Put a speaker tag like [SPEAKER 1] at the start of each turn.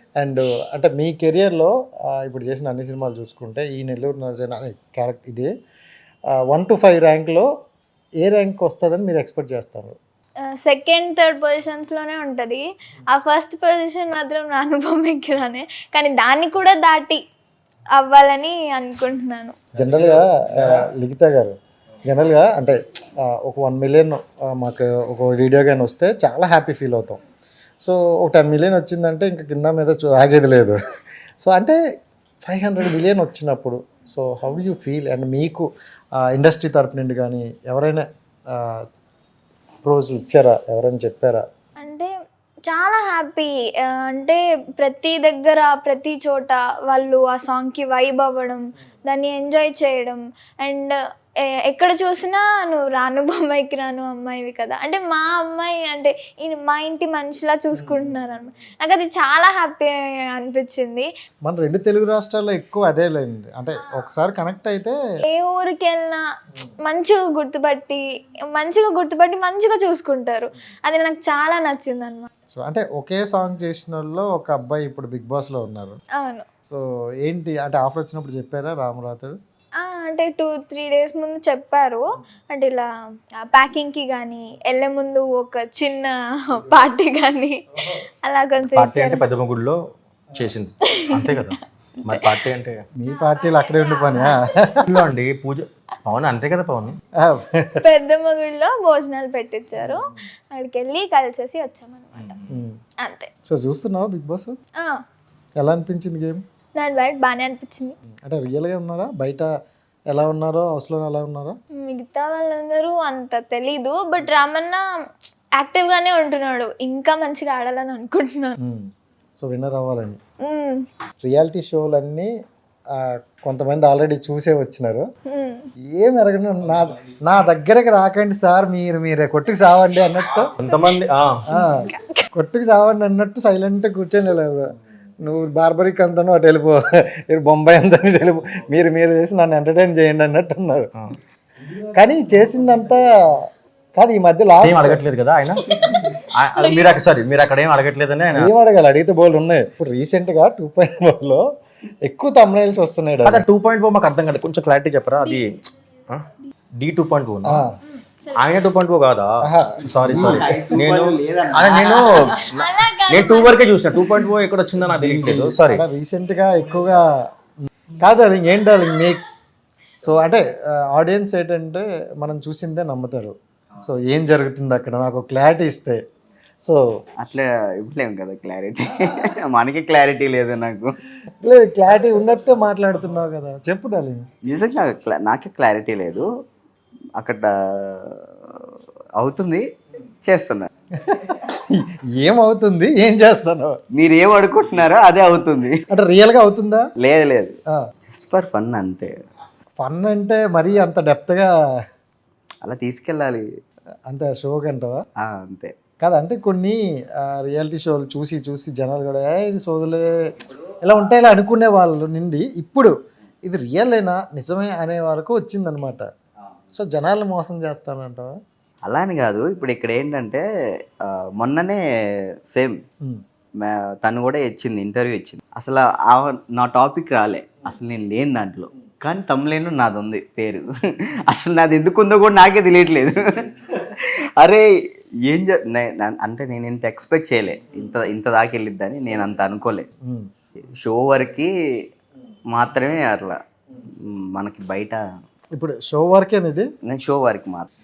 [SPEAKER 1] And అంటే మీ కెరియర్లో ఇప్పుడు చేసిన అన్ని సినిమాలు చూసుకుంటే ఈ నెల్లూరు నరసయ్య అనే క్యారెక్టర్ ఇది 1 to 5 ర్యాంక్లో ఏ ర్యాంక్ వస్తుందని మీరు ఎక్స్పెక్ట్ చేస్తారు?
[SPEAKER 2] సెకండ్ థర్డ్ పొజిషన్స్లోనే ఉంటుంది. ఆ ఫస్ట్ పొజిషన్ మాత్రం నా అనుభవం ఎక్కిరానే, కానీ దాన్ని కూడా దాటి అవ్వాలని అనుకుంటున్నాను.
[SPEAKER 1] జనరల్గా లిఖిత గారు జనరల్గా అంటే ఒక 1 million మాకు ఒక వీడియో కానీ వస్తే చాలా హ్యాపీ ఫీల్ అవుతాం. సో ఒక 10 million వచ్చిందంటే ఇంకా కింద మీద ఆగేది లేదు. సో అంటే 500 million వచ్చినప్పుడు so how you feel? And మీకు ఇండస్ట్రీ తరపు నుండి కానీ ఎవరైనా ప్రోజ్లు ఇచ్చారా, ఎవరైనా చెప్పారా?
[SPEAKER 2] అంటే చాలా హ్యాపీ. అంటే ప్రతి దగ్గర ప్రతి చోట వాళ్ళు ఆ సాంగ్కి వైబ్ అవ్వడం, దాన్ని ఎంజాయ్ చేయడం. అండ్ ఎక్కడ చూసినా నువ్వు రాను బొమ్మాయికి రాను అమ్మాయివి కదా, అంటే మా అమ్మాయి అంటే మా ఇంటి మనిషిలా చూసుకుంటున్నారు అన్నమాట. నాకు అది చాలా హ్యాపీ అనిపించింది.
[SPEAKER 1] మన 2 తెలుగు రాష్ట్రాల్లో ఎక్కువ అదే లేండి. అంటే ఒకసారి కనెక్ట్ అయితే
[SPEAKER 2] ఏ ఊరికి వెళ్ళినా మంచిగా గుర్తుపట్టి మంచిగా చూసుకుంటారు. అది నాకు చాలా నచ్చింది అనమాట.
[SPEAKER 1] సో అంటే ఒకే సాంగ్ చేసిన వాళ్ళు ఒక అబ్బాయి ఇప్పుడు బిగ్ బాస్లో ఉన్నారు.
[SPEAKER 2] అవును.
[SPEAKER 1] సో ఏంటి అంటే ఆఫర్ వచ్చినప్పుడు చెప్పారా రామరాథుడు?
[SPEAKER 2] అంటే 2-3 days ముందు చెప్పారు. అంటే ఇలా ప్యాకింగ్కి కానీ వెళ్ళే ముందు ఒక చిన్న పార్టీ కానీ అలా కొంచెం
[SPEAKER 3] పార్టీ అంటే పెద్ద గుడిలో చేసింది అంతే కదా, మరి పార్టీ అంటే
[SPEAKER 1] మీ పార్టీలు అక్కడే ఉండి పనియా
[SPEAKER 3] అండి పూజ పవన్ అంతే కదా పవన్.
[SPEAKER 2] పెద్ద మొగుళ్ళలో భోజనాలు పెట్టించారు, అక్కడికి వెళ్ళి కలిసేసి వచ్చామన్నమాట అంతే.
[SPEAKER 1] సో చూస్తున్నావా బిగ్ బాస్? ఎలా అనిపించింది గేమ్?
[SPEAKER 2] నాకు బయట బాగానే అనిపించింది.
[SPEAKER 1] అంటే రియల్గా ఉన్నారా, బయట ఎలా ఉన్నారో హౌస్లో ఎలా ఉన్నారా?
[SPEAKER 2] మిగతా వాళ్ళందరూ అంత తెలీదు, బట్ రామన్న యాక్టివ్గానే ఉంటున్నాడు. ఇంకా మంచిగా ఆడాలని అనుకుంటున్నాను.
[SPEAKER 1] సో విన్నర్ అవ్వాలని. రియాలిటీ షోలన్నీ కొంతమంది ఆల్రెడీ చూసే వచ్చినారు. ఏం ఎరగను, నా దగ్గరకు రాకండి సార్, మీరే కొట్టుకు సావండి అన్నట్టు,
[SPEAKER 3] కొంతమంది
[SPEAKER 1] కొట్టుకు సావండి అన్నట్టు సైలెంట్గా కూర్చొని నువ్వు బార్బరిక్ అంతాను అటు వెళ్ళిపో, మీరు బొంబాయి అంతా వెళ్ళిపో, మీరు చేసి నన్ను ఎంటర్టైన్ చేయండి అన్నట్టు ఉన్నారు. కానీ చేసిందంతా కాదు. ఈ మధ్య లాస్ట్
[SPEAKER 3] అడగట్లేదు కదా ఆయన, మీరు అక్కడ ఏం అడగట్లేదని ఆయన
[SPEAKER 1] ఏం అడగాలి, అడిగితే బోల్ ఉన్నాయి. ఇప్పుడు రీసెంట్గా 2.4లో ఎక్కువ thumbnails వస్తున్నాయి.
[SPEAKER 3] 2.4 మాకు అర్థం కాదు, కొంచెం క్లారిటీ చెప్పరా? అది D2.4 ఆయన 2.4 కాదా? సారీ నేను 2 వరకే చూసిన, 2.4 ఎక్కడ వచ్చిందో నాకు తెలియట్లేదు. సారీ.
[SPEAKER 1] రీసెంట్గా ఎక్కువగా కాదు అది ఏంటో మీ. సో అంటే ఆడియన్స్ ఏంటంటే మనం చూసిందే నమ్ముతారు. సో ఏం జరుగుతుంది అక్కడ నాకు క్లారిటీ ఇస్తే. సో
[SPEAKER 4] అట్లా ఇవ్వలేము కదా క్లారిటీ, మనకి క్లారిటీ లేదు. నాకు
[SPEAKER 1] లేదు, క్లారిటీ ఉన్నట్టే మాట్లాడుతున్నావు కదా, చెప్పు డార్లింగ్.
[SPEAKER 4] నిజంగా నాకే క్లారిటీ లేదు. అక్కడ అవుతుంది, చేస్తున్నా.
[SPEAKER 1] ఏమవుతుంది, ఏం చేస్తాను?
[SPEAKER 4] మీరు ఏం అనుకుంటున్నారో అదే అవుతుంది.
[SPEAKER 1] అంటే రియల్గా అవుతుందా?
[SPEAKER 4] లేదు జస్ట్ ఫర్ ఫన్ అంతే.
[SPEAKER 1] ఫన్ అంటే మరీ అంత డెప్త్గా
[SPEAKER 4] అలా తీసుకెళ్ళాలి
[SPEAKER 1] అంతే షో కంటవా?
[SPEAKER 4] అంతే
[SPEAKER 1] కాదు, అంటే కొన్ని రియాలిటీ షోలు చూసి జనాలు కూడా ఇది సోదులే ఇలా ఉంటాయి ఇలా అనుకునే వాళ్ళు నుండి ఇప్పుడు ఇది రియల్లేనా నిజమే అనే వరకు వచ్చిందనమాట. సో జనాలు మోసం చేస్తానంటావా?
[SPEAKER 4] అలా అని కాదు. ఇప్పుడు ఇక్కడ ఏంటంటే మొన్ననే సేమ్ తను కూడా ఇచ్చింది, ఇంటర్వ్యూ ఇచ్చింది. అసలు నా టాపిక్ రాలే, అసలు నేను లేని దాంట్లో, కానీ తమ్ములేను నాది ఉంది పేరు. అసలు నాది ఎందుకు ఉందో కూడా నాకే తెలియట్లేదు. అరే ఏం అంటే నేను ఇంత ఎక్స్పెక్ట్ చేయలే, ఇంత దాకా వెళ్ళిద్దని నేను అంత అనుకోలే. షో వరకు మాత్రమే అట్లా, మనకి బయట
[SPEAKER 1] ఇప్పుడు షో వరకే అనేది.
[SPEAKER 4] నేను షో వరకు మాత్రం